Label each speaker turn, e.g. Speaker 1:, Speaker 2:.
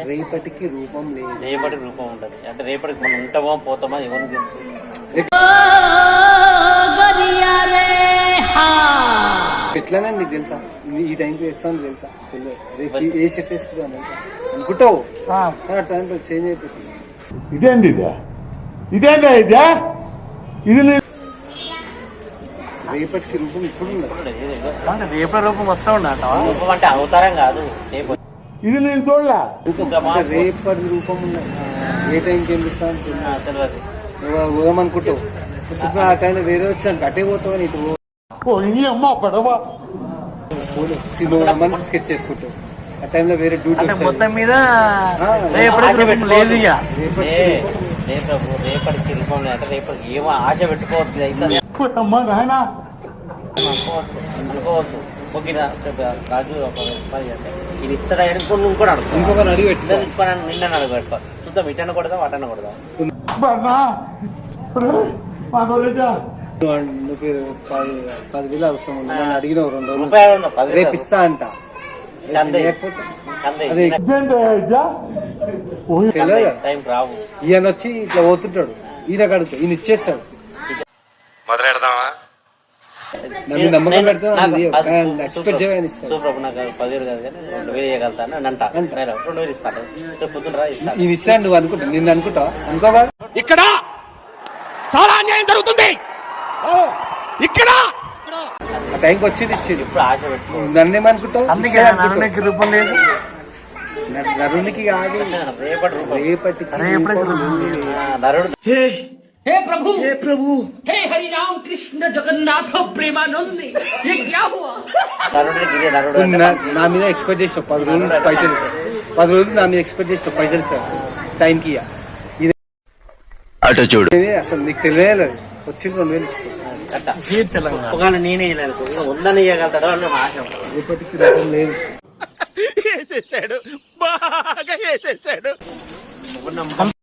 Speaker 1: రేపటికి రూపం లేదు.
Speaker 2: రేపటికి రూపం ఉండదు అంటే రేపటికి మనం ఉంటామో పోతామా ఎవరికి తెలుసు.
Speaker 1: ఎట్లానే నీకు తెలుసా ఈ టైంకి వేస్తాను తెలుసా? రేపు ఏ షర్ట్ వేసుకుంటాను అనుకుంటావు టైంలో చేంజ్ అయిపోతుంది.
Speaker 3: ఇదేంది ఇదేందా ఇదే ఇది
Speaker 1: రేపటికి రూపం ఇప్పుడు ఉండదు.
Speaker 2: రేపటి రూపం వస్తూ ఉండట. రూపం అంటే అవతారం కాదు.
Speaker 3: ఇది నేను చూడలే.
Speaker 1: రేపటి రూపం ఉండదు. ఏ టైంకి ఏం చూస్తాను
Speaker 2: తెలియదు.
Speaker 1: పోదామనుకుంటావు ఆ టైంలో వేరే వచ్చాను అటే పోతావు అని ఇటు
Speaker 3: అమ్మ పడవ
Speaker 1: స్కెచ్ చేసుకుంటావు. ఆ టైంలో వేరే డ్యూటీ
Speaker 2: మొత్తం మీద రేపటికి రూపం లేదంటే రేపటికి ఏమో ఆశ పెట్టుకోవద్దు. అయితే అనుకోవద్దు. ఓకేనా రాజు ఇది ఇస్తాడా అనుకుని నువ్వు కూడా అడుగు.
Speaker 1: ఇంకొకరు అడిగి పెట్టినా
Speaker 2: నిన్న అడుగు పెట్టుకో. చూద్దాం ఇటన్న కొడదా వాటన్న కొడదా.
Speaker 1: నువ్వు 10,000 అవసరం ఉంది అడిగిన 2 రోజులు
Speaker 2: రూపాయలు
Speaker 1: రేపు ఇస్తా అంట.
Speaker 2: టైం రావు.
Speaker 1: ఈయన వచ్చి ఇట్లా పోతుంటాడు. ఈయన కడుగు ఈయన ఇచ్చేస్తాడు.
Speaker 4: మొదలెడదామా?
Speaker 1: నమ్మకం పెడతాను ఎక్స్పెక్ట్ చేయని ఇస్తాడు.
Speaker 2: ప్రభు నాకు 10,000 కాదు కానీ 2,000 ఇవ్వగలుగుతాను అని అంట. 2,000 ఇస్తాడు. పొద్దున
Speaker 1: ఈయన ఇస్తాను నువ్వు అనుకుంటా నిన్ను అనుకుంటావు అనుకోవా?
Speaker 3: ఇక్కడ చాలా అన్యాయం జరుగుతుంది. ఇక్కడ
Speaker 1: ఆ టైంకి వచ్చేది ఇచ్చేది.
Speaker 2: ఇప్పుడు ఆశ పెట్టుకో.
Speaker 1: నన్నేమనుకుంటావు?
Speaker 2: నరునికి రూపం లేదు.
Speaker 1: నరునికి కాదు రేపటికి
Speaker 2: నరుడు.
Speaker 5: हे प्रभु हे प्रभु हे हरि राम कृष्ण जगन्नाथ प्रेमानंद ये क्या हुआ?
Speaker 1: నా మీద ఎక్స్పెక్ట్ చేసిన 10 రోజుల నుంచి పైసలు 10 రోజులు నా మీద ఎక్స్పెక్ట్ చేసిన పైసలు సార్ టైంకి
Speaker 4: అటు చూడు.
Speaker 1: అసలు నీకు తెలియలేదు వచ్చింది 2,000
Speaker 2: తెలంగాణ నేనే ఉందని ఇవ్వగలుగుతాడు అని ఆశ.
Speaker 1: రేపటికి రూపం లేదు.
Speaker 3: వేసేసాడు బాగా వేసేసాడు.